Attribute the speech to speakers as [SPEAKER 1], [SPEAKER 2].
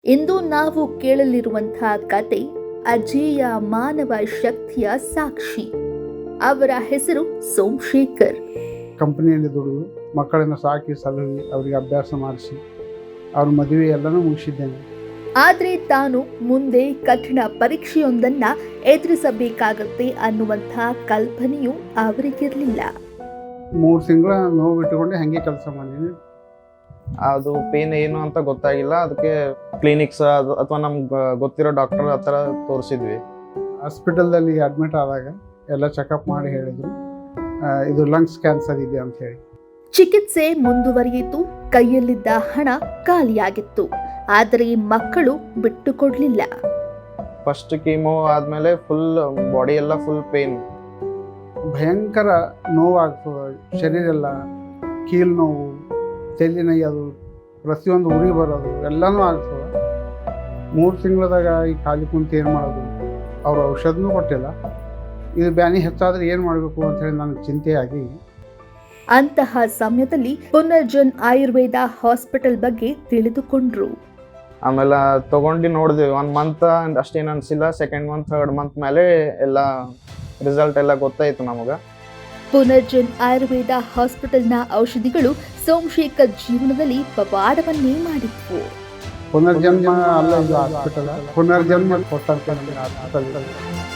[SPEAKER 1] ಇಂದು ನಾವು ಕೇಳಲಿರುವಂತಹ ಕತೆ ಅಜೇಯ ಮಾನವ ಶಕ್ತಿಯ ಸಾಕ್ಷಿ. ಅವರ ಹೆಸರು ಸೋಮಶೇಖರ್.
[SPEAKER 2] ಕಂಪನಿಯಲ್ಲಿ ದುಡಿದು ಮಕ್ಕಳನ್ನು ಸಾಕಿ ಸಲಹಿ ಅವರಿಗೆ ಅಭ್ಯಾಸ ಮಾಡಿಸಿ ಅವ್ರ ಮದುವೆ ಎಲ್ಲನೂ ಮುಗಿಸಿದ್ದೇನೆ.
[SPEAKER 1] ಆದರೆ ತಾನು ಮುಂದೆ ಕಠಿಣ ಪರೀಕ್ಷೆಯೊಂದನ್ನ ಎದುರಿಸಬೇಕಾಗತ್ತೆ ಅನ್ನುವಂತಹ ಕಲ್ಪನೆಯೂ ಅವರಿಗಿರಲಿಲ್ಲ.
[SPEAKER 2] 3 ತಿಂಗಳ ನೋವು ಬಿಟ್ಟುಕೊಂಡೆ ಹಾಗೆ ಕೆಲಸ ಮಾಡಿದ್ದೀನಿ.
[SPEAKER 3] ಅದು ಪೇನ್ ಏನು ಅಂತ ಗೊತ್ತಾಗಿಲ್ಲ. ಅದಕ್ಕೆ ಕ್ಲಿನಿಕ್ಸ್ ಅಥವಾ ನಮ್ಗೆ ಗೊತ್ತಿರೋ ಡಾಕ್ಟರ್ ಹತ್ರ ತೋರಿಸಿದ್ವಿ.
[SPEAKER 2] ಹಾಸ್ಪಿಟಲ್ದಲ್ಲಿ ಅಡ್ಮಿಟ್ ಆದಾಗ ಎಲ್ಲ ಚೆಕಪ್ ಮಾಡಿ ಹೇಳಿದರು ಇದು ಲಂಗ್ಸ್ ಕ್ಯಾನ್ಸರ್ ಇದೆ ಅಂತ ಹೇಳಿ.
[SPEAKER 1] ಚಿಕಿತ್ಸೆ ಮುಂದುವರಿಯಿತು. ಕೈಯಲ್ಲಿದ್ದ ಹಣ ಖಾಲಿಯಾಗಿತ್ತು. ಆದರೆ ಮಕ್ಕಳು ಬಿಟ್ಟುಕೊಡ್ಲಿಲ್ಲ.
[SPEAKER 3] ಫಸ್ಟ್ ಕೀಮೋ ಆದಮೇಲೆ ಫುಲ್ ಬಾಡಿ ಎಲ್ಲ ಫುಲ್ ಪೇನ್,
[SPEAKER 2] ಭಯಂಕರ ನೋವಾಗ್ತದೆ. ಶರೀರ ಎಲ್ಲ ಕೀಲು ನೋವು, ತಲೆ ನೋಯ್ಯೋದು, ಪ್ರತಿಯೊಂದು ಉರಿ ಬರೋದು ಎಲ್ಲನೂ ಆಗ್ತದೆ. 3 ತಿಂಗಳದಾಗ ಈ ಖಾಲಿ ಕುಂತು ಏನು ಮಾಡೋದು, ಅವರು ಔಷಧನೂ ಕೊಟ್ಟಿಲ್ಲ. ಇದು ಬ್ಯಾನಿ ಹೆಚ್ಚಾದರೆ ಏನು ಮಾಡಬೇಕು ಅಂತೇಳಿ ನನಗೆ ಚಿಂತೆಯಾಗಿ
[SPEAKER 1] ಅಂತಹ ಸಮಯದಲ್ಲಿ ಪುನರ್ಜನ್ ಆಯುರ್ವೇದ ಹಾಸ್ಪಿಟಲ್ ಬಗ್ಗೆ ತಿಳಿದುಕೊಂಡ್ರು.
[SPEAKER 3] ಆಮೇಲೆ ತಗೊಂಡು ನೋಡಿದ್ವಿ. 1 ಮಂತ್ ಅಷ್ಟೇನು ಅನಿಸಿಲ್ಲ. 2nd ಮಂತ್ 3rd ಮಂತ್ ಮೇಲೆ ಎಲ್ಲ ರಿಸಲ್ಟ್ ಎಲ್ಲ ಗೊತ್ತಾಯಿತು ನಮಗೆ.
[SPEAKER 1] ಪುನರ್ಜನ್ ಆಯುರ್ವೇದ ಹಾಸ್ಪಿಟಲ್ನ ಔಷಧಿಗಳು ಸೋಮಶೇಖರ್ ಜೀವನದಲ್ಲಿ ಪವಾಡವನ್ನೇ ಮಾಡಿದ್ವು.
[SPEAKER 2] ಪುನರ್ಜನ್ಮ ಅಲ್ಲ ಇದು ಹಾಸ್ಪಿಟಲ್, ಪುನರ್ಜನ್ಮ ಕೊಟ್ಟಂತ ಹಾಸ್ಪಿಟಲ್.